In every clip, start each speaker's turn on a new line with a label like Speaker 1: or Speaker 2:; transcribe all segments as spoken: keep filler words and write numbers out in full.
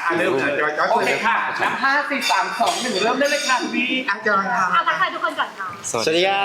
Speaker 1: อ่ะเริ่มจอยจอย
Speaker 2: โอเคค่ะนับห้าสี่สามสองหนึ่งเริ่มได้เลยค่ะพี่
Speaker 1: อ่ะจอยค่ะ
Speaker 3: เอาทักทายทุกคนก่อนค่ะ
Speaker 4: สวัสดีครับ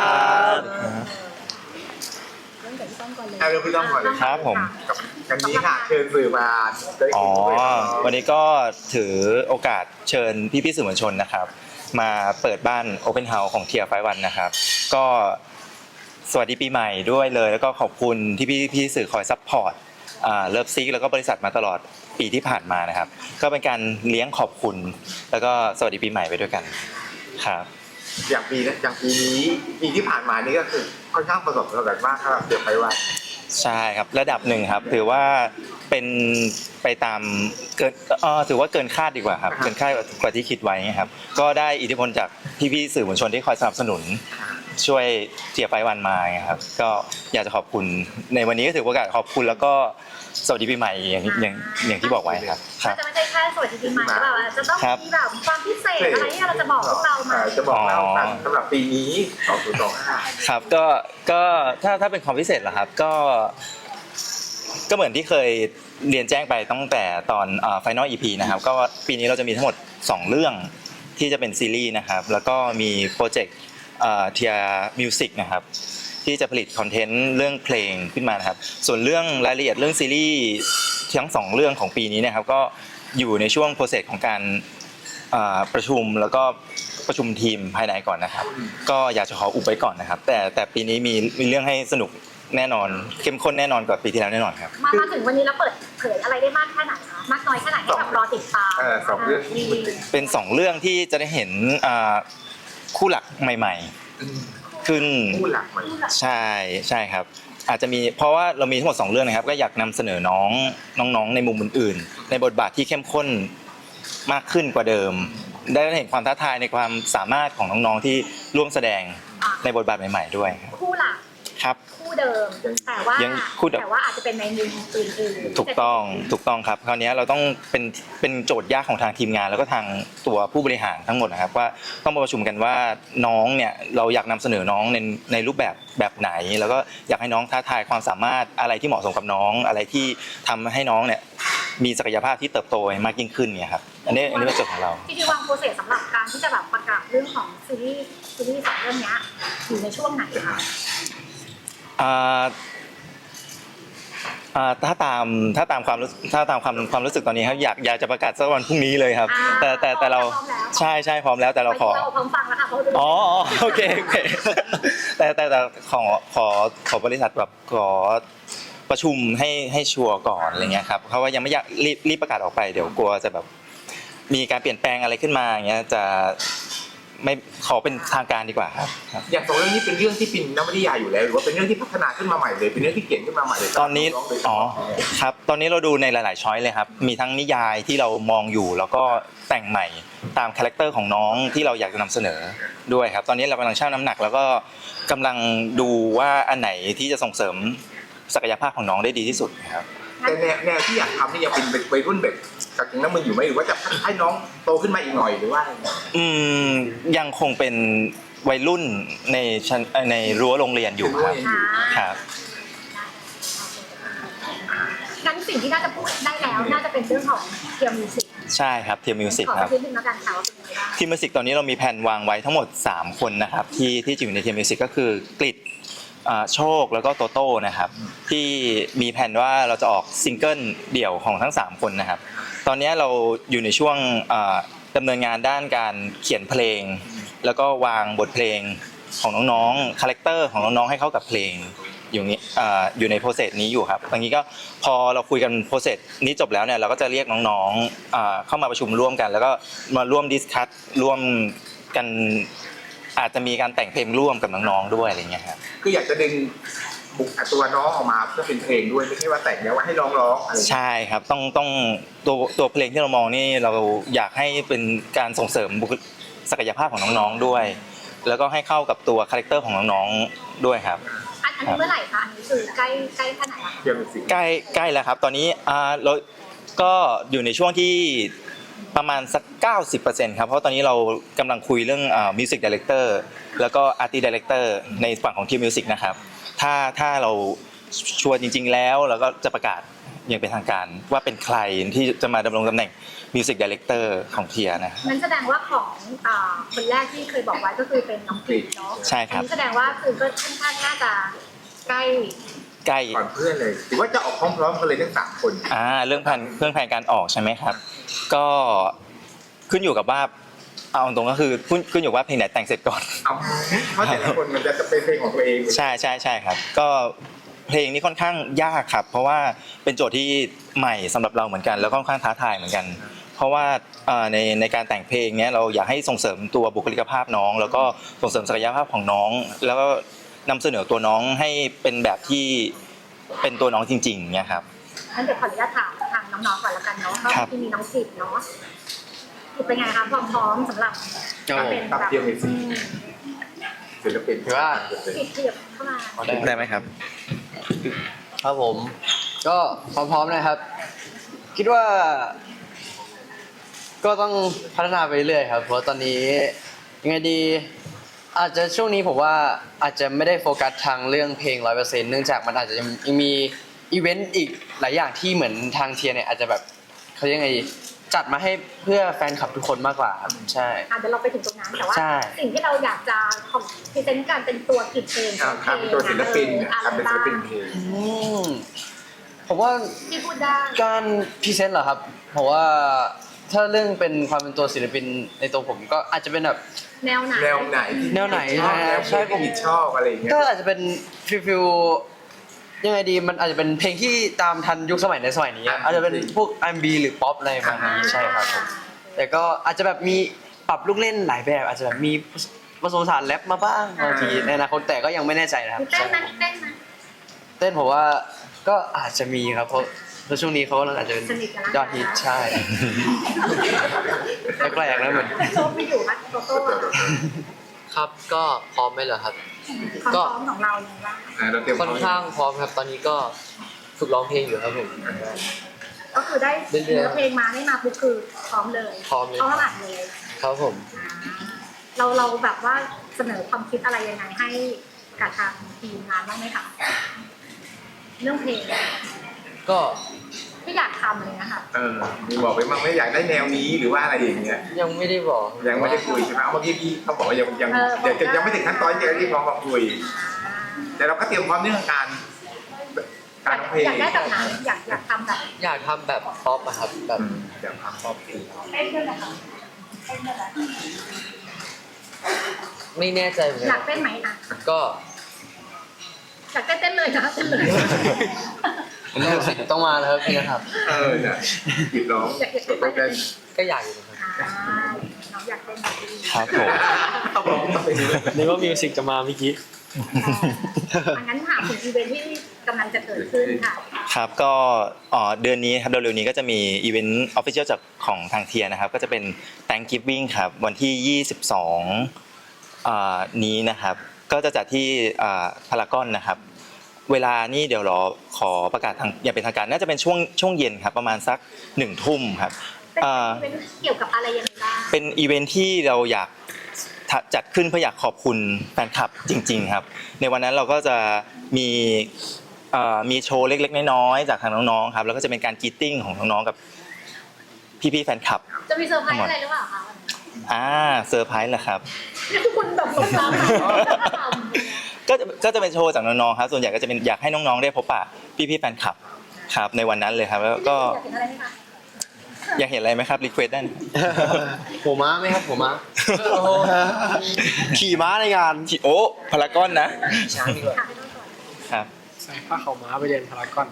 Speaker 3: เริ่มจากพี่ต้อมก่อนเลย
Speaker 1: อ่ะเริ่มพี่ต้องก่อนเลย
Speaker 4: ครับผม
Speaker 1: กับกันนี้ค่ะเชิญสื่อมาได้
Speaker 4: อ๋อ
Speaker 1: คุยด้วย
Speaker 4: วันนี้ก็ถือโอกาสเชิญพี่ๆสื่อมวลชนนะครับ มาเปิดบ้าน Open House ของเทียร์ไฟวันนะครับ ก็สวัสดีปีใหม่ด้วยเลย แล้วก็ขอบคุณที่พี่ๆสื่อคอยซัพพอร์ตเลิฟซิกแล้วก็บริษัทมาตลอดปีที่ผ่านมานะครับ ก็เป็นการเลี้ยงขอบคุณ แล้วก็สวัสดีปีใหม่ไปด้วยกันครับ
Speaker 1: อย่างปีนะอย่างปีนี้ปีที่ผ่านมานี่ก็คือค่อนข้างประสบความสำเร็จมากครับเดี๋ยวไปว่า
Speaker 4: ใช่ครับระดับหนึ่งครับถือว่าเป็นไปตามเกินเออถือว่าเกินคาดดีกว่าครับเกินคาดกว่าที่คิดไว้ครับก็ได้อิทธิพลจากพี่ๆสื่อมวลชนที่คอยสนับสนุนช่วยเจียไฟวันมาครับก็อยากจะขอบคุณในวันนี้ก็ถือโอกาสขอบคุณแล้วก็สวัสดีปีใหม่อย่างอย่างอย่างที่บอกไว้ครับค
Speaker 3: มั
Speaker 4: รั
Speaker 3: น
Speaker 4: บ
Speaker 3: จะไม่ใช่แค่สวัสดีปีใหม่แบบว่าจะต้อง
Speaker 4: ครับ
Speaker 3: มีแบบความพิเศษอะไรที่เราจะบอกพวกเรามา
Speaker 1: จะบอกเล่ากันสำหรับปีนี้สองพันยี่สิบห้า
Speaker 4: ครับก็ก็ถ้าถ้าเป็นความพิเศษเหรอครับก็ก็เหมือนที่เคยเรียนแจ้งไปตั้งแต่ตอนเอ่อ Final อี พี นะครับก็ปีนี้เราจะมีทั้งหมดสองเรื่องที่จะเป็นซีรีส์นะครับแล้วก็มีโปรเจกต์เอ่อเทียมิวสิกนะครับที่จะผลิตคอนเทนต์เรื่องเพลงขึ้นมานะครับส่วนเรื่องรายละเอียดเรื่องซีรีส์ทั้งสองเรื่องของปีนี้นะครับก็อยู่ในช่วงโปรเซสของการเอ่อประชุมแล้วก็ประชุมทีมภายในก่อนนะครับก็อยากจะขออุบไว้ก่อนนะครับแต่แต่ปีนี้มีมีเรื่องให้สนุกแน่นอนเข้มข้นแน่นอนกว่าปีที่แล้วแน่นอนครับ
Speaker 3: มามาถึงวันนี้แล้วเปิดเผยอะไรได้มากแค่ไหนคะมากน้อยแค่ไหนให้แบบรอติดตาม
Speaker 1: เออสองเรื่องที่พูดถึง
Speaker 4: เป็นสองเรื่องที่จะได้เห็นอ่าคู่หลักใหม่ๆ ขึ้น
Speaker 1: ผู้หลักใหม่
Speaker 4: ใช่ใช่ครับอาจจะมีเพราะว่าเรามีทั้งหมดสองเรื่องนะครับก็อยากนำเสนอน้องน้องๆในมุมอื่นๆในบทบาทที่เข้มข้นมากขึ้นกว่าเดิม ได้เห็นความท้าทายในความสามารถของน้องๆที่ร่วมแสดงในบทบาทใหม่ๆด้วยครับ
Speaker 3: คู่หลัก
Speaker 4: ครับ
Speaker 3: คู่เดิมแต่ว่า
Speaker 4: ยังคู่เดิม
Speaker 3: แต่ว่าอาจจะเป็นในมุมอื่นๆ
Speaker 4: ถูกต้องถูกต้องครับคราวนี้เราต้องเป็นเป็นโจทย์ยากของทางทีมงาน แล้วก็ทางตัวผู้บริหารทั้งหมดนะครับว่าต้องมาประชุมกันว่าน้องเนี่ยเราอยากนำเสนอน้องในในรูปแบบแบบไหน แล้วก็อยากให้น้องท้าทายความสามารถอะไรที่เหมาะสมกับน้อง อะไรที่ทำให้น้องเนี่ยมีศักยภาพที่เติบโตมากยิ่งขึ้นเนี่ยครับอันนี้อันนี้เป็นโจทย์ของเรา
Speaker 3: จริงๆวางโปรเซสสำหรับการที่จะแบบประกาศเรื่องของซีรีส์ซีรีส์สองเรื่องเนี้ยอยู่ในช่วงไหนคะ
Speaker 4: อ่าอ่าถ้าตามถ้าตามความรู้ถ้าตามความความรู้สึกตอนนี้ครับอยากอยากจะประกาศสักวันพรุ่งนี้เลยครับ แต่แต่แต่เราใช่ใช่พร้อมแล้วแต่เราขอ
Speaker 3: เราพร้อมฟังแล้วค่ะเพราะว่า
Speaker 4: อ๋อโอเคโอเคแต่แต่แต่ขอขอขอบริษัทแบบขอประชุมให้ให้ชัวร์ก่อนอะไรเงี้ยครับเพราะว่ายังไม่อยากรีบรีบประกาศออกไปเดี๋ยวกลัวจะแบบมีการเปลี่ยนแปลงอะไรขึ้นมาอย่างเงี้ยจะไม่ขอเป็นทางการดีกว่าครับ
Speaker 1: อย่างสองเรื่องนี้เป็นเรื่องที่ปินนวนิยายอยู่แล้วหรือว่าเป็นเรื่องที่พัฒนาขึ้นมาใหม่เลยเป็นเรื่องที่เขียนขึ้นมาใหม่เลย
Speaker 4: ตอนนี้อ๋อครับตอนนี้เราดูในหลายๆช้อยเลยครับมีทั้งนิยายที่เรามองอยู่แล้วก็แต่งใหม่ตามคาแรคเตอร์ของน้องที่เราอยากจะนำเสนอด้วยครับตอนนี้เรากำลังชั่งน้ำหนักแล้วก็กำลังดูว่าอันไหนที่จะส่งเสริมศักยภาพของน้องได้ดีที่สุดครับ
Speaker 1: แต่แนวแนวที่อยากทำนี่ยังเป็นวัยรุ่นแบบกับยังน้ำมันอยู่ไหมหรือว่าจะให้น้องโตขึ้นมาอีกหน่อยหรือว่า
Speaker 4: อืมยังคงเป็นวัยรุ่นในชั้นเอ่อในรั้วโรงเรียนอยู่ครับครับ
Speaker 3: งั้นสิ่งที่น่าจะพูดได้แล้วน่าจะเป็นเรื่องของเทียมมิวสิก
Speaker 4: ใช่ครับเทียมมิวสิก
Speaker 3: ขอ
Speaker 4: ครับ
Speaker 3: นิดนึงแล้วกันค่ะว่าเป็นยังไงบ้าง
Speaker 4: ทีมมิวสิกตอนนี้เรามีแผนวางไว้ทั้งหมดสามคนนะครับที่ที่จะอยู่ในทีมมิวสิกก็คือกฤษอ่าโชคแล้วก็โตโต้นะครับที่มีแผนว่าเราจะออกซิงเกิลเดี่ยวของทั้งสามคนนะครับตอนนี้เราอยู่ในช่วงอ่าดำเนินงานด้านการเขียนเพลง แล้วก็วางบทเพลงของน้องๆคาแรคเตอร์ของน้องๆให้เข้ากับเพลงอยู่นี้อ่าอยู่ในโปรเซสนี้อยู่ครับตอนนี้ก็พอเราคุยกันโปรเซสนี้จบแล้วเนี่ยเราก็จะเรียกน้องๆอ่าเข้ามาประชุมร่วมกัน แล้วก็มาร่วมดิสคัสร่วมกันอาจจะมีการแต่งเพลงร่วมกับน้องๆด้วยอะไรเงี้ยครับ
Speaker 1: คืออยากจะดึงบุคตัวน้องออกมาเพื่อเป็นเพลงด้วยไม่ใช่ว่าแต่งแล้วว่าให้ร้องร้องอะไร
Speaker 4: ใช่ครับต้องต้องตัวตัวเพลงที่เรามองนี่เราอยากให้เป็นการส่งเสริมบุคลิกศักยภาพของน้องๆด้วย แล้วก็ให้เข้ากับตัวคาแรคเตอร์ของน้องๆด้วยครับ
Speaker 3: อันอันนี้เมื่อไหร่คะอันนี้คือใกล้ใกล้ขนาดไหน
Speaker 1: เทียมมิวสิก
Speaker 4: ใกล้ใกล้แล้วครับตอนนี้อ่าเราก็อยู่ในช่วงที่ประมาณสัก เก้าสิบเปอร์เซ็นต์ ครับเพราะตอนนี้เรากำลังคุยเรื่องอ่ามิวสิกไดเรคเตอร์แล้วก็อาร์ติสต์ไดเรคเตอร์ในฝั่งของทีมมิวสิกนะครับถ้าถ้าเราชัวร์จริง ๆ แล้วเราก็จะประกาศยังเป็นทางการว่าเป็นใครที่จะมาดำรงตำแหน่งมิวสิกดีเลกเตอร์ของเทียนะ
Speaker 3: นั้นแสดงว่าของอ่าคนแรกที่เคยบอกไว้ก็คือเป็นน้องปีเนาะ
Speaker 4: ใช่ครับ
Speaker 3: อันนี้แสดงว่าคือก็ค่อนข้างน่าจะใกล้
Speaker 4: ใกล้
Speaker 1: ก่อนเพื่อนเลยหรือว่าจะออกพร้อมๆกันเลยทั้งสามคน
Speaker 4: อ่าเรื่องแผนเรื่องแผนการออกใช่ไหมครับ ก็ขึ้นอยู่กับว่าเอาตรงๆก็คือขึ้นขึ้นอยู่ว่าเพลงไหนแต่งเสร็จก่อน
Speaker 1: เอาเพราะแต่ละคนมันจะเป็นเพลงของตัวเอง
Speaker 4: ใช่ใช่ใช่ครับ ก็เพลงนี้ค่อนข้างยากครับ เพราะว่าเป็นโจทย์ที่ใหม่สำหรับเราเหมือนกัน แล้วก็ค่อนข้างท้าทายเหมือนกัน เพราะว่าเอ่อในในการแต่งเพลงเนี้ยเราอยากให้ส่งเสริมตัวบุคลิกภาพน้อง แล้วก็ส่งเสริมศักยภาพของน้อง แล้วก็นำเสนอตัวน้องให้เป็นแบบที่เป็นตัวน้องจริงๆเนี่ยครับ
Speaker 3: งั้นเดี๋ยวขออนุญาตถามทางน้องๆก่อนละกันเนาะเพราะ
Speaker 4: ครับ
Speaker 3: ที่มีน้องสิบเนาะสิบเป็นไงคะความพร้อมสำหรับ
Speaker 5: ครับผม
Speaker 3: เป็น
Speaker 1: ตับ
Speaker 3: แบบ
Speaker 1: เดียวมีสิศิลปิน
Speaker 5: ถือว่า
Speaker 3: สิบเทียบเข้ามา
Speaker 4: ได้ไหมครับ
Speaker 5: ครับผม ก็พร้อมๆนะครับ คิดว่า ก็ต้องพัฒนาไปเรื่อยครับ เพราะตอนนี้ยังไงดี อาจจะช่วงนี้ผมว่าอาจจะไม่ได้โฟกัสทางเรื่องเพลงร้อยเปอร์เซ็นต์เนื่องจากมันอาจจะยังมีอีเวนต์อีกหลายอย่างที่เหมือนทางเทียเนี่ยอาจจะแบบเขาเรียกไงดีจัดมาให้เพื่อแฟนคลับทุกคนมากกว่าครับใช่
Speaker 3: อ่ะเดี๋ยวเราไปถึงตรงนั้นแต่ว่า
Speaker 5: ใช่
Speaker 3: สิ่งที่เราอยากจะของพรีเซนต์การเป็นตัวกิจเอง
Speaker 1: อ่าทำตัวศิลปิน
Speaker 3: อะ
Speaker 1: ทำ
Speaker 3: ไร
Speaker 1: เป็นศิ
Speaker 3: บ้า
Speaker 1: ล
Speaker 3: ง
Speaker 1: ปินเพลง
Speaker 5: อืมผมว่า
Speaker 3: ที่พูดได้
Speaker 5: การพรีเซนต์เหรอครับผมว่าถ้าเรื่องเป็นความเป็นตัวศิลปินในตัวผมก็อาจจะเป็นแบบ
Speaker 3: แนวไหน
Speaker 1: แนวไหนที่
Speaker 5: แนวไหน
Speaker 1: ชอบ
Speaker 5: นะ
Speaker 1: แนว
Speaker 5: ใช่
Speaker 1: ใช่
Speaker 5: ผม
Speaker 1: ที่ชอบอะไรอย่างเงี้ย
Speaker 5: ก็อาจจะเป็นฟิลฟิลยังไงดีมันอาจจะเป็นเพลงที่ตามทันยุคสมัยในสมัยนี้อะอาจจะเป็นพวก อาร์ แอนด์ บี หรือป๊อปอะไรประมาณนี้ใช่ครับผมแต่ก็อาจจะแบบมีปรับลูกเล่นหลายแบบ อาจจะแบบมีผสมผสานแรปมาบ้างบางทีในอนาคตแต่ก็ยังไม่แน่ใจนะครับ
Speaker 3: มีเต้นไหมเต้นไหม
Speaker 5: เต้นผมว่าก็อาจจะมีครับเพราะเพราะช่วงนี้เขากำลังอาจจะเป็น
Speaker 3: สนิทกันแล้ว
Speaker 5: ยอดฮิตใช่แปลกๆแล้วเหมือน
Speaker 3: โชคไม่อยู่ครับโตโต้อะ
Speaker 6: ครับก็พร้อมไหมเหรอครับ
Speaker 3: ความพร้อมของเราอย่างไรบ้าง
Speaker 1: อ่าเราเตรียม
Speaker 6: ค่อนข้างพร้อมครับตอนนี้ก็ฝึกร้องเพลงอยู่ครับผม
Speaker 3: ก็คือได้
Speaker 6: เรื่อยๆ
Speaker 3: เนื้อเพลงมาได้มาปุ๊บคือพร้อมเลย
Speaker 6: พร้อมเลย
Speaker 3: พร้อมอัดเลย
Speaker 6: ครับผม
Speaker 3: อ่าเราเราแบบว่าเสนอความคิดอะไรยังไงให้กับทางทีมงานบ้างไหมคะเรื่องเพลง
Speaker 6: ก็
Speaker 3: ที่อยากทำอะไรเลยนะคะ
Speaker 1: เออมีบอกไปบ้างไหม่อยากได้แนวนี้หรือว่าอะไรอย่างเงี้ย
Speaker 6: ยังไม่ได้บอก
Speaker 1: ยังไม่ได้คุยใช่ไหมเอาเมื่อกี้พี่เขาบอกว่ายังยัง
Speaker 3: เออ
Speaker 1: เดี๋ยวจะยังไม่ถึงขั้นตอนที่จะเรียกร้องมาคุย
Speaker 3: อ่า
Speaker 1: แต่เราก็เตรียมพร้อมเรื่องการการร้องเพลง
Speaker 3: อยากได้แบบไหนอยากอยากทำแบบ
Speaker 6: อยากทำแบบป๊อปอะครับแบบ
Speaker 1: อืมเดี๋ยวทำพร้อมเพลง
Speaker 3: เต้นด้วยนะคะเต้นด้วยเหรอ
Speaker 6: ไม่แน่ใจเหมือน
Speaker 3: อ
Speaker 6: กั
Speaker 3: ยาก
Speaker 6: น
Speaker 3: เต้นไหมอ่ะ
Speaker 6: ก็
Speaker 3: อยากเต้นเต้นเลยนะเต้นเลย
Speaker 5: ต้องมาแล้วครับพี่นะครับ
Speaker 1: เออเนี่ยปิดร้อง
Speaker 3: อยากอยากเต้น
Speaker 1: ต้องเป็น
Speaker 6: ก็อยากอยู่นะครับ
Speaker 3: อ่าน้องอยากเต้นแบบนี้
Speaker 4: ครับผม
Speaker 1: เอาบอกต้องเป็น
Speaker 7: นึกว่ามิวสิกจะมาเมื่อกี้
Speaker 3: อ่างั้นถามถึงอีเวนท์ที่กำลังจะเกิดขึ้นค่ะ
Speaker 4: ครับก็อ๋อเดือนนี้ครับเร็วๆนี้ก็จะมีอีเวนต์ออฟฟิเชียลจากของทางเทียนะครับก็จะเป็น Thanksgiving ครับวันที่ยี่สิบสองอ่านี้นะครับก็จะจัดที่อ่าพารากอนนะครับเวลานี่เดี๋ยวรอขอประกาศทางอย่างเป็นทางการน่าจะเป็นช่วงช่วงเย็นครับประมาณสักหนึ่งทุ่มครับ
Speaker 3: เป็น
Speaker 4: อ่า
Speaker 3: อีเวนท์เกี่ยวกับอะไรยังไงบ้าง
Speaker 4: เป็นอีเวนท์ที่เราอยากจัดขึ้นเพื่ออยากขอบคุณแฟนคลับจริงๆครับในวันนั้นเราก็จะมีเอ่อมีโชว์เล็กๆน้อยๆจากทางน้องๆครับแล้วก็จะเป็นการกรีตติ้งของน้องๆกับพี่ๆแฟนคลับ
Speaker 3: จะมีเซอร์ไพรส์อะไรหรือเปล่าคะ
Speaker 4: อ่าเซอร์ไพรส์เหรอครับ
Speaker 3: นี่ทุกคนแบบลงน้ำท
Speaker 4: ก็จะก็จะเป็นโชว์จากน้องๆครับส่วนใหญ่ก็จะเป็นอยากให้น้องๆได้พบปะพี่ๆแฟนคลับครับในวันนั้นเลยครับแล้ว
Speaker 3: ำ
Speaker 4: ก็
Speaker 3: อยากเห็นอะไรไหมคะ
Speaker 4: อยากเห็นอะไรไหมครับรีเควสได้นะ
Speaker 6: หัวม้าไหมครับหัวม้า
Speaker 7: ขี่ม้าในงาน
Speaker 4: โอ้พารากอนนะ
Speaker 6: ช้างดีกว่า
Speaker 3: ถามให้น้องก่อน
Speaker 4: ครับ
Speaker 7: ใส่ผ้าขาวม้าไปเดินพารากอน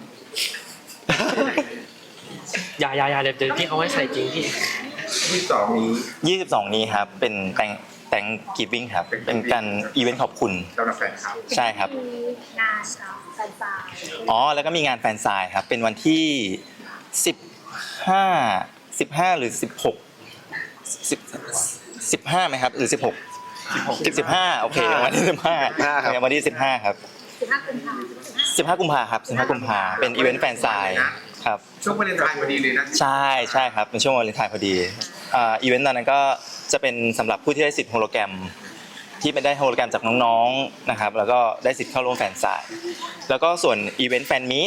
Speaker 7: อย่าอย่าอย่าเดี๋ยวเดี๋ยวที่เขาให้ใส่จริงพี่
Speaker 1: ที่สองนี้
Speaker 4: ยี่สิบสองนี้ครับเป็นแตงแตงกิฟวิ่งครับเป็นการอีเวนต์ขอบคุณ
Speaker 1: สำหรับแฟนคลับ
Speaker 4: ใช่ครับ
Speaker 3: มีงานแฟนซาย
Speaker 4: อ๋อแล้วก็มีงานแฟนไซน์ครับเป็นวันที่สิบห้า สิบห้าหรือสิบหก สิบ สิบห้าไหมครับหรือสิบหก สิบห้าโอเควันที่สิบห้าวันที่สิบห้าครับ
Speaker 3: สิบห้ากุมภาพันธ์
Speaker 4: สิบห้ากุมภาครับสิบห้ากุมภาเป็นอีเวนต์แฟนไซน์ครับ
Speaker 1: ช่วงวาเลนไทน์พอดีเลยนะ
Speaker 4: ใช่ใช่ครับเป็นช่วงวาเลนไทน์พอดีอ่าอีเวนต์ตอนนั้นก็จะเป็นสำหรับผู้ที่ได้สิทธิ์โฮโลแกรมที่ไม่ได้โฮโลแกรมจากน้องๆนะครับแล้วก็ได้สิทธิ์เข้าร่วมแฟนไซน์แล้วก็ส่วนอีเวนต์แฟนมีต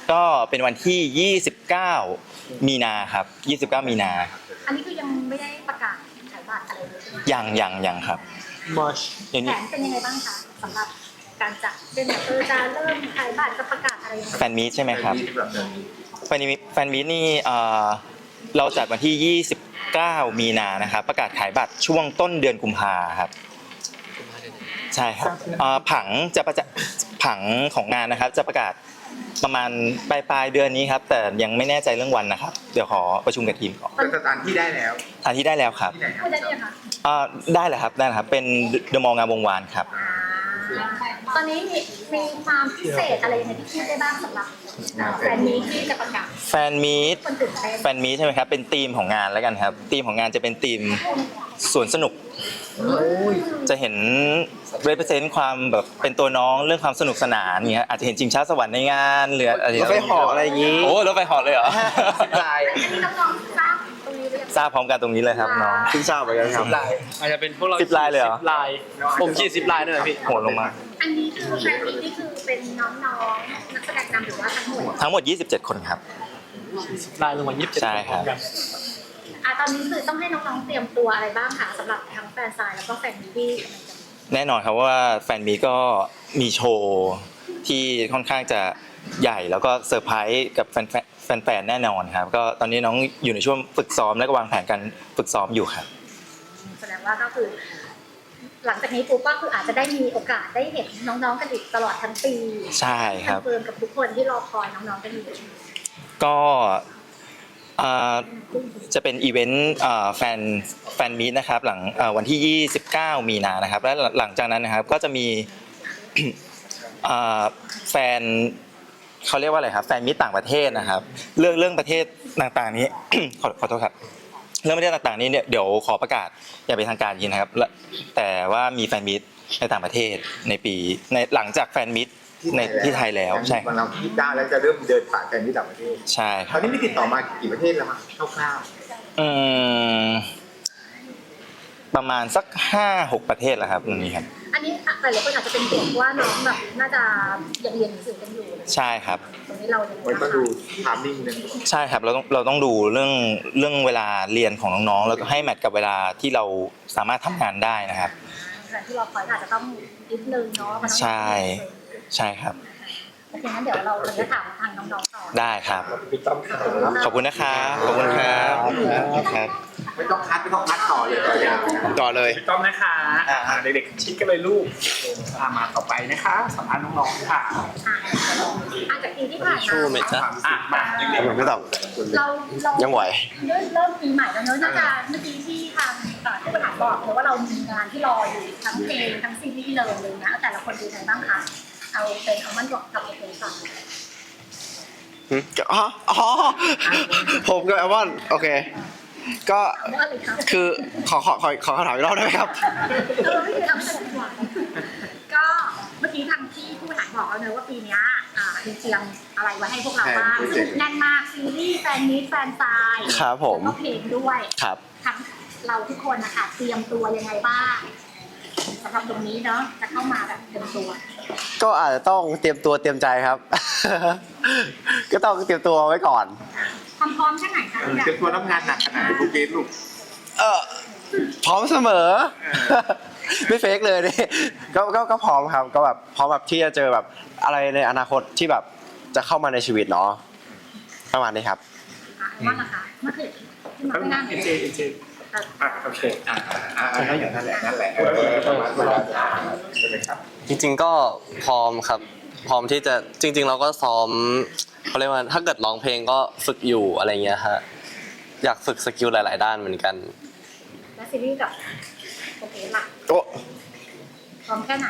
Speaker 4: ก็เป็นวันที่ยี่สิบเก้ามีนาครับยี่สิบเก้ามีนา
Speaker 3: อันนี้คือยังไม่ได้ประกาศขายบัตรอะไรเลยใช่ไหม
Speaker 4: ยังยังยังครับ
Speaker 7: มอช
Speaker 4: อย่าง
Speaker 3: แผ
Speaker 4: นี้
Speaker 3: นเป็นยังไงบ้างคะสำหรับการจัดเป็นแบบเออจะเริ่มขายบัตรจะประกาศอะไรยังไง
Speaker 4: แฟนมีตใช่ไหมครับ
Speaker 1: ที่แบบนี้
Speaker 4: แฟนมีตแฟนมีตนี่เอ่อเราจัดวันที่ยี่สิบเก้ามีนานะครับประกาศขายบัตรช่วงต้นเดือนกุมภาครับใช่ครับเอ่อผังจะประจะผังของงานนะครับจะประกาศประมาณปลายปลายๆเดือนนี้ครับแต่ยังไม่แน่ใจเรื่องวันนะครับเดี๋ยวขอประชุมกับทีมก่อน
Speaker 1: เป็นสถานที่ได้แล้ว
Speaker 4: อันที่ได้แล้วครับ
Speaker 1: ที่ไหนครั
Speaker 3: พู
Speaker 1: บ
Speaker 3: ดได้ยังคะ
Speaker 4: เอ่อได้เลยครับได้เลยครับเป็นเดอะมอลล์งามวงวานครับ
Speaker 3: อ่าตอนนี้มีมีความพิเศษอะไรยังไงที่พูดได้บ้างสำหรับเอ่อแฟนมีตที่จะประกาศ
Speaker 4: แฟนมีต
Speaker 3: คนตื่นเต้น
Speaker 4: แฟนมีตใช่ไหมครับเป็นธีมของงานแล้วกันครับธีมของงานจะเป็นธีมสวนสนุกจะเห็น represent ความแบบเป็นตัวน้องเรื่องความสนุกสนานเงี้ยอาจจะเห็นชิงช้าสวรรค์ในงานหรืออะไร
Speaker 5: รถไฟเหาะอะไรอย่างงี้
Speaker 4: โอ้รถไฟเหาะเลยเหรอ
Speaker 5: ลาย
Speaker 3: อันนี้น้องๆทราบตรงนี้หรือยัง
Speaker 4: ทราบพร้อมกันตรงนี้เลยครับน้อง
Speaker 5: เพิ่งทราบเหมือนกันครับ
Speaker 7: อาจจะเป็นพวกเรา
Speaker 4: สิบลายเลยเหรอ
Speaker 7: สิบลายผมขี่สิบลายด้วยนะพี่
Speaker 4: โหลงมา
Speaker 3: อันนี้คือแฟนมีตนี่คือเป็นน้องๆนักแสดงนำหรือว่าทั้งหมด
Speaker 4: ทั้งหมดยี่สิบเจ็ดคนครับ
Speaker 7: สิบลายลงมายี่สิบเจ็ด
Speaker 4: ใช่ครับ
Speaker 3: อ่ะตอนนี้คือต้องให้น้องๆเตรียมตัวอะไรบ้างคะสำหรับทั้งแฟนซายแล้วก็แฟนมีตที่กำลังจะมี
Speaker 4: แน่นอนครับว่าแฟนมีตก็มีโชว์ที่ค่อนข้างจะใหญ่แล้วก็เซอร์ไพรส์กับแฟนๆแฟนๆแน่นอนครับก็ตอนนี้น้องอยู่ในช่วงฝึกซ้อมและก็วางแผนการฝึกซ้อมอยู่ครับ
Speaker 3: แสดงว่าก็คือ หลังจากนี้ปุ๊บก็คืออาจจะได้มีโอกาสได้เห็นน้องๆกันอีกตลอดทั้งปี
Speaker 4: ใช่ครับ
Speaker 3: คอนเฟิร์มกับทุกคนที่รอคอยน้องๆกันอยู่
Speaker 4: ก็อ่าจะเป็นอีเวนต์อ่าแฟนแฟนมีตนะครับหลังอ่าวันที่ยี่สิบเก้ามีนานะครับและหลังจากนั้นนะครับก็จะมี อ่าแฟนเขาเรียกว่าอะไรครับแฟนมิตรต่างประเทศนะครับเรื่องเรื่องประเทศต่างๆนี้ ขอขอโทษครับเรื่องประเทศต่างๆนี้เนี่ยเดี๋ยวขอประกาศอย่างเป็นทางการยินนะครับและแต่ว่ามีแฟนมิตรในต่างประเทศในปีในหลังจากแฟนมิตรในที่ไทยแล้วใช่
Speaker 1: วันเราที่เก้าแล้วจะเริ่มเดินสายกันที่ต่างประเทศ
Speaker 4: ใช่ค
Speaker 1: ต
Speaker 4: รั
Speaker 1: อบ นนี้มีติดต่อมากี่ประเทศแล้วมั้งคร่าว
Speaker 4: อืมประมาณสักห้าหกประเทศแล้วครับตรงนี้ครับ
Speaker 3: อันนี้หลายๆคนอาจจะเป็นห่วงว่าน้องแบบน่าจะยังเรียนหนังสือกันอยู่
Speaker 4: ใช่ครับ
Speaker 3: ตรงนี้เรายัง
Speaker 1: ๆ
Speaker 3: ไง
Speaker 1: มัน
Speaker 3: บ้าง
Speaker 1: ก็
Speaker 3: คะ
Speaker 1: ดูทามมิ่งนึง
Speaker 4: ใช่ครับเราต้องเราต้องดูเรื่องเรื่องเวลาเรียนของน้องๆแล้วก็ให้แมทกับเวลาที่เราสามารถทำงานได้นะครับ
Speaker 3: แต่ที่เราคอยอาจจะต้องนิดนึงเนาะมันต้อง
Speaker 4: ใช่ใช่ครับ
Speaker 3: โอเคงั้นเดี๋ยวเราจะถามทางน้องๆต่อ
Speaker 4: ได้ครับ
Speaker 1: พี่ต้อมครับ
Speaker 4: ขอบคุณนะครับขอบคุณครับครับ
Speaker 1: ไม่ต้องคัดไม่ต้องคัดต่อเลยต่อยาวนะ
Speaker 5: ต่อเลย
Speaker 2: ถูกต้องนะคะอ่าเด็กๆชิดกันเลยลูกอ่ามาต่อไปนะคะสัมภาษณ์น้องๆค่ะ
Speaker 3: อ่ะอ่ะจากปีที่ผ่าน
Speaker 5: ชูไหม
Speaker 3: มา
Speaker 5: จ๊ะ
Speaker 2: อ่ะมาเด็ก
Speaker 5: ผมไม่ต้อง
Speaker 3: เราเรา
Speaker 5: ยังไหว
Speaker 3: เริ่มเริ่มปีใหม่แล้วเนอะน่าจะเมื่อกี้ที่ทางเอ่อผู้บริหารบอกเลยว่าเรามีงานที่รออยู่ทั้งเพลงทั้งซีรีส์เลยเลยนะแต่ละคนดูไงบ้างคะเอาเป็นเอามันบอกกับเพลงก่อน
Speaker 5: หึอ๋ออ๋อผมกับแอมอนโอเค ก็
Speaker 3: เอาว่าเลยครับ
Speaker 5: คือขอขอขอขอคำถามอีกรอบได้ไหมครับ
Speaker 3: เออไม่เคยทำให้ฉันหวังก็เมื่อกี้ทางที่ผู้บริหารบอกแล้วเนอะว่าปีเนี้ยอ่ามีเตรียมอะไรไว้ให้พวกเราบ้างแน่นมากซีรีส์แฟนมิตแฟนซาย
Speaker 5: ครับผม
Speaker 3: แล้วก็เพลงด้วย
Speaker 5: ครับ
Speaker 3: ทั้งเราทุกคนนะคะเตรียมตัวยังไงบ้างสำหรับตรงนี้เนาะจะเข้ามาแบบเต็มตัว
Speaker 5: ก็อาจจะต้องเตรียมตัวเตรียมใจครับ ก็ต้องเตรียมตัวไว้ก่อน
Speaker 3: ความพร้อมแค่ไหนคะ
Speaker 1: เออเจะตัวรับงานหนักขนาดไหนลูกเกดลูก
Speaker 5: เออพร้อมเสมอ ไม่เฟกเลยนี่ก็ก็ก็พร้อมครับ ก็แบบพร้อมแบบที่จะเจอแบบอะไรในอนาคตที่แบบจะเข้ามาในชีวิตเนาะประมาณนี้ครับ
Speaker 3: อ่ะว่าล่ะคะเมื่อคืนที่มาไม่นั่ง
Speaker 2: ๆเอเจเอเจอ่ะโอเค
Speaker 1: อ่าอ่าอ่านั่นแหละนั่นแหละเออประมาณเวลาใช่ไหมครับ
Speaker 8: จริงๆก็พร้อมครับ พร้อมที่จะจริง ๆ เราก็ซ้อมเขาเรียกว่าถ้าเกิดร้องเพลงก็ฝึกอยู่อะไรเงี้ยฮะอยากฝึกสกิลหลาย ๆ ด้านเหมือนกัน
Speaker 3: และซีรีส์กับโอเคล่ะ
Speaker 5: โอ้
Speaker 3: พร้อมแค่ไหน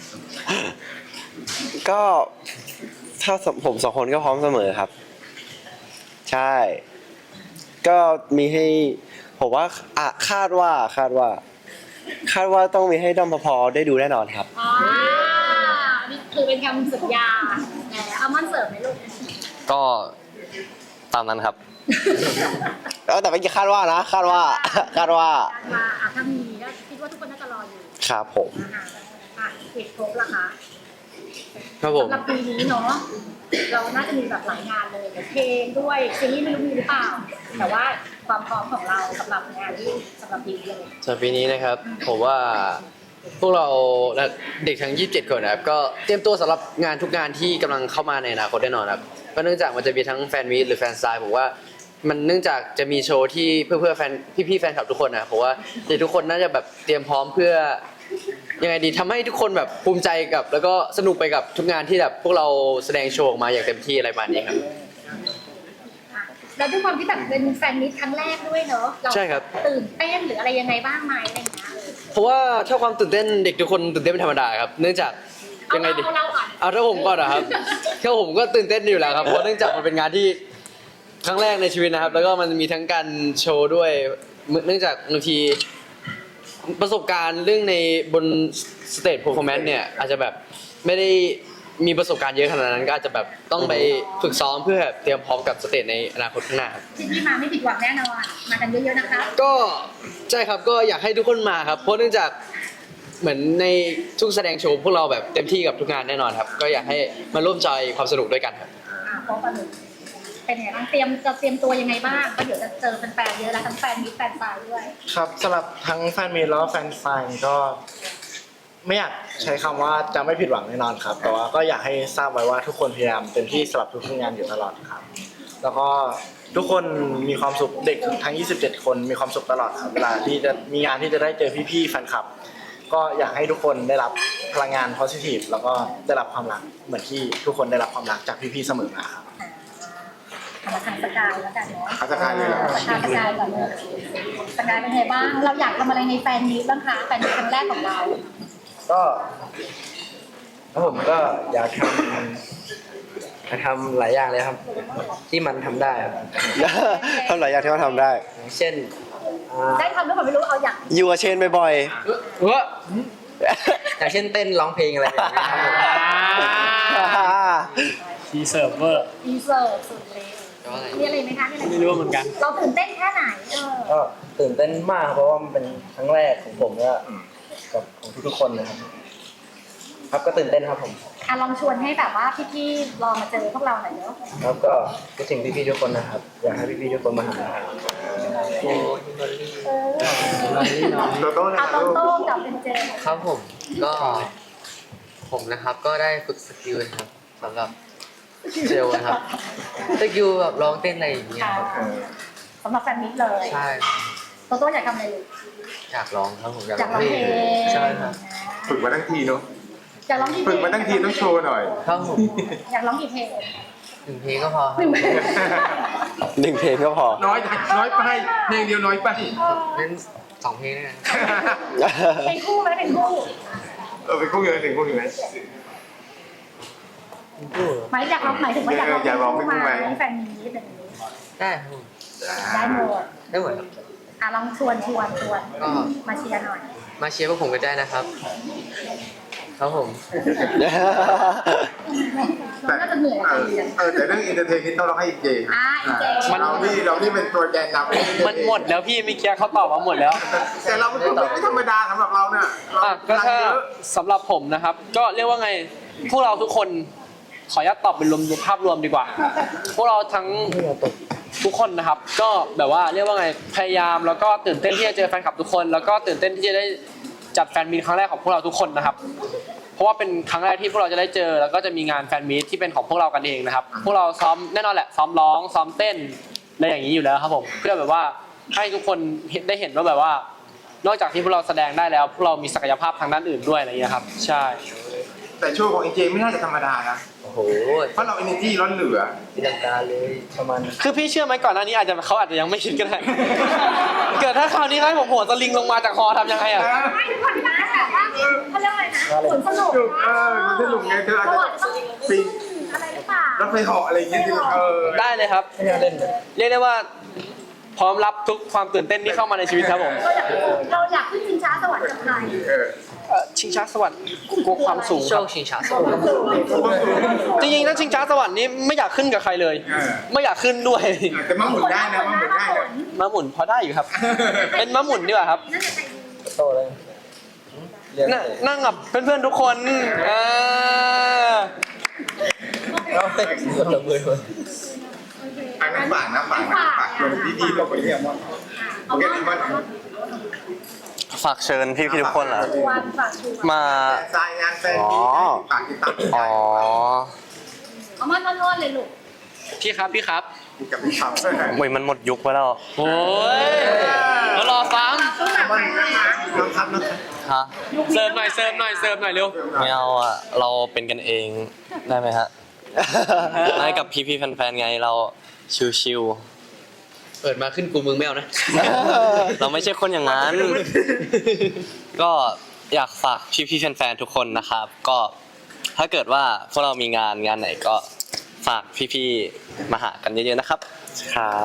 Speaker 5: ก็ถ้าผมสองคนก็พร้อมเสมอครับ ใช่ ก็มีให้ผมว่าอ่ะคาดว่าคาดว่า คาดว่าต้องมีให้ด้อมพอได้ดูแน่นอนครับ
Speaker 3: อ๋อนี่คือเป็นคำสัญญาแหมเอามันเสิร์ฟไหมลูก
Speaker 8: ก็ตามนั้นครับ
Speaker 5: เออแต่ไม่คาดว่านะ คาดว่า คาดว่า
Speaker 3: การมาอ่ะถ้ามีก็คิดว่าทุกคนน่าจะรออยู่
Speaker 5: ครับผม
Speaker 3: นะคะอ่ะเอกภพล่ะคะ
Speaker 5: ครับผม
Speaker 3: สำหรับปีนี้เนาะเราน่าจะมีแบบหลายงานเลยเพลงด้วยซีรีส์ไม่รู้มีหรือเปล่า แต่ว่าความพร้อมของเราสำหรับงานที่สำหรับปีนี้เลย
Speaker 5: สำหรับปีนี้นะครับผมว่าพวกเราและเด็กทั้งยี่สิบเจ็ดคนนะครับก็เตรียมตัวสำหรับงานทุกงานที่กำลังเข้ามาในอนาคตแน่นอนครับก็เนื่องจากมันจะมีทั้งแฟนมีตหรือแฟนไซน์ผมว่ามันเนื่องจากจะมีโชว์ที่เพื่อเพื่อแฟนพี่ๆแฟนคลับทุกคนนะผมว่าเด็กทุกคนน่าจะแบบเตรียมพร้อมเพื่อยังไงดีทำให้ทุกคนแบบภูมิใจกับ แล้วก็สนุกไปกับทุกงานที่แบบพวกเราแสดงโชว์ออกมาอย่างเต็มที่อะไรประมาณนี้ครับ
Speaker 3: แล้วด้วยความที่แบบเป็นแฟนมิตครั้งแรกด้วยเนอะเรา
Speaker 5: ใช่ครับ
Speaker 3: ตื่นเต้นหรืออะไรยังไงบ้างไหมอะไรอย่างเงี้ย
Speaker 5: เพราะว่าถ้าความตื่นเต้นเด็กทุกคนตื่นเต้นเป็นธรรมดาครับเนื่องจาก
Speaker 3: เอา
Speaker 5: ยังไง
Speaker 3: เรา
Speaker 5: ดี
Speaker 3: เอาเราก่อน
Speaker 5: เอาถ้าผมก่อนนะครับถ้าผมก็ตื่นเต้นอยู่แล้วครับเพราะเนื่องจากมันเป็นงานที่ครั้งแรกในชีวิตนะครับ แล้วก็มันมีทั้งการโชว์ด้วยเนื่องจากบางทีประสบการณ์เรื่องในบนสเตจเพอร์ฟอร์แมนซ์เนี่ยอาจจะแบบไม่ได้มีประสบการณ์เยอะขนาดนั้นก็อาจจะแบบต้องไปฝึกซ้อมเพื่อเตรียมพร้อมกับสเตจในอนาคตข้างหน้าครับ
Speaker 3: ที่นี่มาไม่ผิดหวังแน่นอนมากันเยอะๆนะคะ
Speaker 5: ก็ใช่ครับก็อยากให้ทุกคนมาครับเพราะเนื่องจากเหมือนในทุกแสดงโชว์พวกเราแบบเต็มที่กับทุกงานแน่นอนครับก็อยากให้มาร่วมจอยความสนุกด้วยกันครับ
Speaker 3: อ่าพบกันเลยเป็นไงบ้างเตรียมจะเตรียมตัวยังไงบ้างก็เดี๋ยวจะเจอแฟนๆเยอะแล้วทั้งแฟนมิตรแฟนไซด์ด้วย
Speaker 2: ครับสำหรับทั้งแฟนมีตแล้วก็แฟนไซน์ก็ไม่อยากใช้คำว่าจะไม่ผิดหวังแน่นอนครับ แต่ว่าก็อยากให้ทราบไว้ว่าทุกคนพยายามเต็มที่สำหรับทุกงานอยู่ตลอดครับ แล้วก็ทุกคนมีความสุขเด็กทั้งยี่สิบเจ็ดคนมีความสุขตลอดครับเวลาที่จะมีงานที่จะได้เจอพี่ๆแฟนคลับ ก็อยากให้ทุกคนได้รับพลังงาน positive แล้วก็ได้รับความรักเหมือนที่ทุกคนได้รับความรักจากพี่ๆเสมอมาครับ
Speaker 3: เอามาทางสกายแล้วกันเนาะ
Speaker 1: เอาสกายเลยเหรอ
Speaker 3: สกายสกายก่อนเลยสกายเป็นไงบ้าง เราอยากทำอะไรในแฟนมิตรบ้างคะแฟนมิตรครั้งแรกของเรา
Speaker 9: ก็แล้วผมก็อยากทำอยากทำหลายอย่างเลยครับ ที่มันทำได้ครับ
Speaker 8: ทำหลายอย่างที่เขาทำได้
Speaker 9: อย่างเช่นอ่า
Speaker 3: ได้ทำหรือเปล่าไม่รู้เอาอยาก
Speaker 8: อยู่กับเชนบ่อย
Speaker 9: อย่างเช่นเต้นร้องเพลงอะไรอย่างเงี้ยครับผม
Speaker 8: ๆ
Speaker 7: ทีเซิร์ฟเวอร์
Speaker 3: ดีเซอร์สุดเลยมีอะไรไหมคะมีอะไร
Speaker 7: ไม่รู้เหมือนกัน
Speaker 3: เราตื่นเต้นแค่ไหนเออ
Speaker 9: ก็ตื่นเต้นมากเพราะว่ามันเป็นครั้งแรกของผมก็กับของทุกๆคนนะครับ ครับก็ตื่นเต้นครับผม
Speaker 3: อ่ะลองชวนให้แบบว่าพี่ๆลองมาเจอพวกเราหน่อยเนาะ
Speaker 9: ครับก็คิดถึงพี่ๆทุกคนนะครับ อยากให้พี่ๆทุกคนมาหานะครับ
Speaker 3: เออ
Speaker 1: โตโต้นะ
Speaker 3: เอา
Speaker 1: ค
Speaker 3: ต
Speaker 1: รับลูก
Speaker 3: รงๆกับเป็นเจ
Speaker 6: ครับผมก็ผมนะครับก็ได้ฝึกสกิลนะครับสำหรับเซลล์นะครับสกิลแบบร้องเต้นอะไรอย่างเงี้ย
Speaker 3: ค่ะ
Speaker 6: ครับ
Speaker 3: สำหรับแฟนมิตรเลย
Speaker 6: ใช่
Speaker 3: โตโต้อยากทำอะไรลูก
Speaker 6: อยากร้องครับผมอยาก
Speaker 3: อยากร้องเพลง
Speaker 6: ใช่ครับ
Speaker 1: ฝึกมาทั้งทีเนาะ
Speaker 3: อยากร้องกี่เพล
Speaker 1: ฝึก
Speaker 3: ง
Speaker 1: มาทั้งทีต้องโชว์หน่อย
Speaker 6: ครับผม
Speaker 3: อยากร้องกี่เพลง
Speaker 6: หนึ่งเพลงก็พอค
Speaker 3: ห
Speaker 6: รับ
Speaker 3: นึ่งเพลง
Speaker 8: หนึ่งเพลงก็พอ
Speaker 1: น้อยน้อยไปเพลงเดียวน้อยไป
Speaker 6: งั้นสองเพลงด้วยกัน
Speaker 3: เพลงคู่ไหมเพลงคู่
Speaker 1: เออเป็นคู่เงินถึงคู่เงิน
Speaker 3: หมายอยากร้องหมายถึงว่าอยากร้อง
Speaker 1: อยากร้องเพลงคู่ไหม
Speaker 3: แฟนมิตรแบบนี้
Speaker 6: ได้ครับผม
Speaker 3: ได้หมด
Speaker 6: ได้หมดครับ
Speaker 3: อ่ะลองชวนชวนชวน
Speaker 6: ก็
Speaker 3: มาเชียร์หน่อย
Speaker 6: มาเชียร์พวกผมกันได้นะครับ ครับผม
Speaker 3: น้องน่าจะเหนื่อย
Speaker 1: เอ
Speaker 3: กับ
Speaker 1: อ
Speaker 3: การเรียน
Speaker 1: เออแต่เรื่องอินเตอร์เทนนี่ต้องร้องให้อีเจ
Speaker 3: อ่ะอีเจ
Speaker 1: เราที่เราที่เป็นตัวแกนนำ
Speaker 7: มันหมดแล้วพี่เมื่อกี้เขาตอบมาหมดแล้ว
Speaker 1: แต่เราเป็นคนไม่ธรรมดาสำหรับเราเนี่ยเรา
Speaker 7: อ่ะก็
Speaker 1: พลัง
Speaker 7: ถ้า
Speaker 1: เยอะ
Speaker 7: สำหรับผมนะครับ ก็เรียกว่าไงพวกเราทุกคนขออนุญาตตอบเป็นรวมภาพรวมดีกว่า พวกเราทั้งทุกคนนะครับ ก็แบบว่าเรียกว่าไงพยายามแล้วก็ตื่นเต้นที่จะเจอแฟนคลับทุกคน แล้วก็ตื่นเต้นที่จะได้จัดแฟนมีตครั้งแรกของพวกเราทุกคนนะครับ เพราะว่าเป็นครั้งแรกที่พวกเราจะได้เจอ แล้วก็จะมีงานแฟนมีตที่เป็นของพวกเรากันเองนะครับ พวกเราซ้อมแน่นอนแหละซ้อมร้องซ้อมเต้นอะไรอย่างนี้อยู่แล้วครับผมเพื่อแบบว่าให้ทุกคนได้เห็นว่าแบบว่า นอกจากที่พวกเราแสดงได้แล้ว พวกเรามีศักยภาพทางด้านอื่นด้วยอะไรอย่างเงี้ยครับใช่
Speaker 1: แต่โชว์ของอีเจไม่น่าจะธรรมดานะ
Speaker 9: โอ้โห
Speaker 1: เพราะเราเอเนจีล้นเหลือ
Speaker 9: ตีลังกาเลยประมาณ
Speaker 7: คือพี่เชื่อไหมก่อนหน้านี้อาจจะเขาอาจจะยังไม่คิดก็ได้ เกิดถ้าคราวนี้เขาให้ผมโหนสลิงลงมาจากคอทำยังไงอ่ะ
Speaker 3: ไม่ทุกคนนะแบบว่าเขาเรียกอะไรนะสวนสนุก
Speaker 1: เออมันสนุกไงเธออาจ
Speaker 3: เรา
Speaker 1: จะ
Speaker 3: อาจจะต้อง
Speaker 1: ปีน
Speaker 3: อะไรหรือเปล่าร
Speaker 1: ถไฟเหาะอะไรอย่างเงี้ยเออ
Speaker 7: ได้เลยครับ
Speaker 9: ไม่น่าเล่นเลย
Speaker 7: เรียกได้ว่าพร้อมรับทุกความตื่นเต้นที่เข้ามาในชีวิตครับผม
Speaker 3: เราอยากเราอยากขึ้นชิงช้าสวรรค์กับใคร
Speaker 1: เออ
Speaker 7: เอ่อชิงช้าสวรรค์กลัวความสูง
Speaker 6: โช
Speaker 7: ครับ
Speaker 6: คชิงช้าสวรรค์
Speaker 7: จริงๆถ้าชิงช้าสวรรค์นี้ไม่อยากขึ้นกับใครเลย
Speaker 1: เออ
Speaker 7: ไม่อยากขึ้นด้วย
Speaker 1: แต่มาหมุนได้นะมาหมุนได้นะ
Speaker 7: ม้าหมุนพอได้อยู่ครับ เป็นม้าหมุนดีกว่าครับ
Speaker 3: น่าจะใจดี
Speaker 9: โตเลย
Speaker 7: นั่งนั่งกับเพื่อนๆทุกคนเออ
Speaker 9: เราเป็นเราเบื่อ
Speaker 1: อันนั้นฝากนะฝากนะฝากชวนดีๆเราไปเรียกว่าโอเคดีมาก
Speaker 8: ฝากเชิญพี่ๆทุกคนเหรอ
Speaker 3: ชวนฝากชวน
Speaker 8: มา
Speaker 1: สายงานแฟนมีฝากติดตาม
Speaker 8: อ๋อ
Speaker 3: เอามาล้วนๆเลยลูก
Speaker 7: พี่ครับพี่ครับ
Speaker 1: กับพี่ครับ
Speaker 8: โอ้ยมันหมดยุคไปแล้ว
Speaker 7: โอ้ยแล้วรอฟัง
Speaker 1: น้องครับน้องครับ
Speaker 8: ฮะ
Speaker 7: เสิร์ฟหน่อยเสิร์ฟหน่อยเสิร์ฟหน่อยเร็ว
Speaker 8: ไม่เอาอ่ะ เราเป็นกันเองได้ไหมฮะ ให้กับพี่ๆแฟนๆไงเราชิว
Speaker 5: เปิดมาขึ้นกูมึงไม่เอานะ
Speaker 8: ๆ เราไม่ใช่คนอย่างนั้น ก็อยากฝากพี่ๆแฟนๆทุกคนนะครับ ก็ถ้าเกิดว่าพวกเรามีงานงานไหนก็ฝากพี่ๆมาหากันเยอะๆนะครับ
Speaker 2: ครับ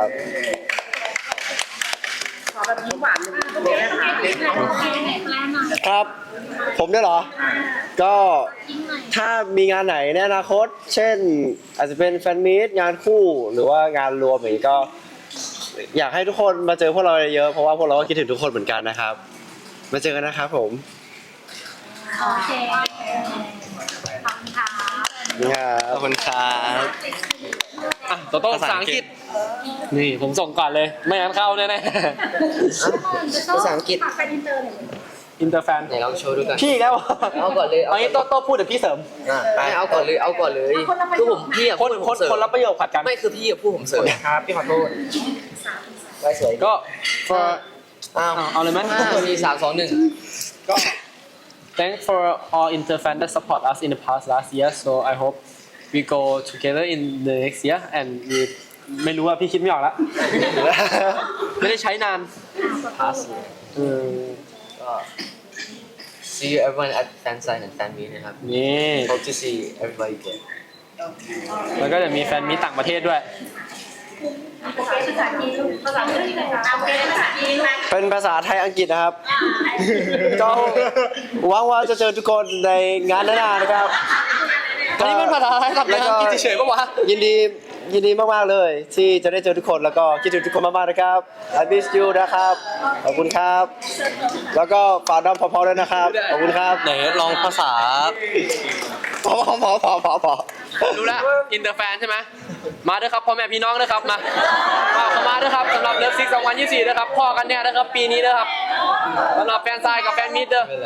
Speaker 3: โอเคโอเคไหนไหนไหนหน่อย
Speaker 2: ครับ ผมด้วยเหรอ ก็
Speaker 3: ยิ้มหน่อย
Speaker 2: ถ้ามีงานไหนในอนาคต เช่น อาจจะเป็นแฟนมีตงานคู่หรือว่างานรวมอย่างนี้ก็ อยากให้ทุกคนมาเจอพวกเราเยอะๆเพราะว่าพวกเราก็คิดถึงทุกคนเหมือนกันนะครับ มาเจอกันนะครับผม
Speaker 3: โอเคขอบคุณค่ะ
Speaker 2: ครับ
Speaker 8: ขอบคุณครับ
Speaker 7: อ่ะโตโต้ภาษาอังกฤษ นี่ผมส่งก่อนเลย ไม่งั้นเข้าแน่
Speaker 9: ภาษาอังกฤษ
Speaker 3: ฝากไปอินเตอร์หน่อย
Speaker 7: ๆอินเตอร์แฟน
Speaker 5: ไหนลองโชว์ดูกัน
Speaker 7: พี่แล้ว
Speaker 5: เอาก่อนเลย
Speaker 7: เอางี้โตโต้พูดเดี๋ยวพี่เสริม
Speaker 5: ไม่เอาก่อนเลยเอาก่อนเลยคือผมพี่อะ
Speaker 7: คน
Speaker 5: พูด
Speaker 7: ค
Speaker 5: ผ
Speaker 7: น
Speaker 5: มเสริม
Speaker 7: คนละประโยคขัดกัน
Speaker 5: ไม่คือพี่อะพูดผมเสริม
Speaker 9: ครับพี่ขอโทษไว้สวย
Speaker 7: ก็ for
Speaker 9: อ้าว
Speaker 7: เอาเอาเลยไหม
Speaker 5: ห้าสี่สามสองหนึ่ง
Speaker 7: Thanks for all inter fan that support us in the past last year. So I hope we go together in the next year and we ไม่รู้ว่าพี่คิดไม่ออกละ ไม่ได้ใช้นานเออ
Speaker 5: ก็ see you everyone at fan sign and fan meet นะครับ
Speaker 7: นี่
Speaker 5: hope to see everybody again
Speaker 7: แล้วก็จะมีแฟนมีต่างประเทศด้วย
Speaker 3: โอเคภาษาจีนลูกภาษาจีนนะคะโอเคภาษาจีนลูก
Speaker 2: เป็นภาษาไทยอังกฤษนะครับ ก็หวังว่าจะเจอทุกคนในงานหน้าๆนะครับ
Speaker 7: อันนี้มันภาษาไทยกับภาษาอังกฤษเฉยๆปะวะ
Speaker 2: ยินดียินดีมากๆเลย ที่จะได้เจอทุกคนแล้วก็คิดถึงทุกคนมากๆนะครับ I miss you นะครับ ขอบคุณครับ แล้วก็ฝากน้องพอๆด้วยนะครับ ขอบคุณครับ
Speaker 8: ไหนลองภาษา
Speaker 2: พอพอพอพอพอพอ
Speaker 7: รู้แล้วอินเตอร์แฟนใช่ไหมมาด้วยครับพ่อแม่พี่น้องด้วยครับมามาเข้ามาด้วยครับสำหรับเลิฟซิกสองพันยี่สิบสี่ด้วยครับพ่อกันเนี่ยนะครับปีนี้ด้วยครับสำหรับแฟนซายกับแฟนมิดเด้อ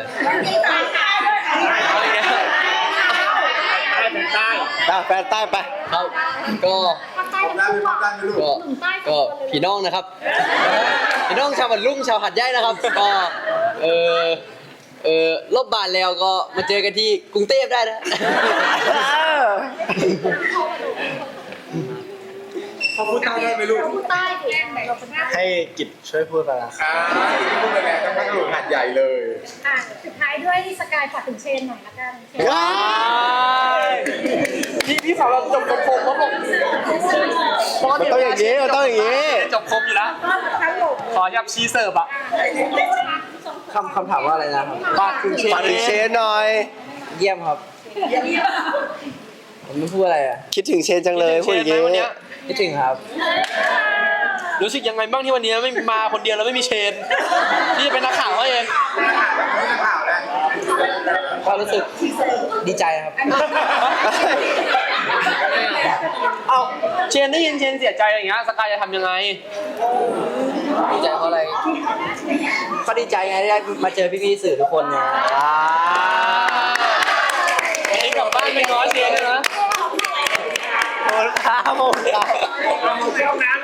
Speaker 7: เอาอีกแล้ว
Speaker 2: อ่ะแฟนใต้ไป
Speaker 5: ครับก็
Speaker 3: ภาคใต้ทั้งคู่อ่ะ
Speaker 5: ก็
Speaker 3: หนุ่มใต้ส
Speaker 5: ก็
Speaker 3: องคนเลย
Speaker 5: พี่น้องนะครับ พี่น้องชาวบันลุ่งชาวหัดใหญ่นะครับ ก็เออเออลบบานแล้วก็มาเจอกันที่กรุงเทพได้นะ
Speaker 1: พอพูดใต้ได้ไหมลูก
Speaker 3: เราพูดใต้ดิเราเป็นใต้
Speaker 2: ให้กิจช่วยพูดไปนะ
Speaker 1: อ่าพูดไปแล้วต้องให้กระโดดหัดใหญ่เลย
Speaker 3: อ่ะสุดท้ายด้วยสกายฝากถึงเชนหน่อยละกันเชน
Speaker 2: ว้าย
Speaker 7: พี่พี่สาวเราจบครบครบเขาบอก
Speaker 2: มันต้องอย่างนี้มันต้องอย่างนี้
Speaker 7: จบครบอยู่แล้ว
Speaker 3: ก็ทั้งหมด
Speaker 7: ขอยับชีเสิร์ฟอะ
Speaker 9: คำคำถามว่าอะไรนะครับ
Speaker 7: ฝากถึงเชน
Speaker 2: ฝากถึงเชนหน่อย
Speaker 9: เยี่ยมครับ ผมไม่พูดอะไรอ่ะ
Speaker 2: คิดถึงเชนจังเลยพูดอย่าง
Speaker 7: เชนไหมวัน
Speaker 2: นี้
Speaker 7: เนี้ย
Speaker 9: คิดถึงครับ
Speaker 7: รู้สึกยังไงบ้างที่วันนี้ไม่มาคนเดียวแล้วไม่มีเชนพี่จะเป็นนักข่าวเขาเอง
Speaker 1: ข่าวแล้ว
Speaker 9: ก็รู้สึกดีใจครับ
Speaker 7: เอาเชนได้ยินเชนเสียใจอะไรอย่างเงี้ยสกายจะทำยังไง
Speaker 9: ดีใจเพราะอะไร ก็ดีใจไงที่ได้มาเจอพี่ๆสื่อทุกคนไง
Speaker 7: วันนี้กลับบ้านไปง้อเชนเลยนะ
Speaker 2: โอ้โหครับผมครับ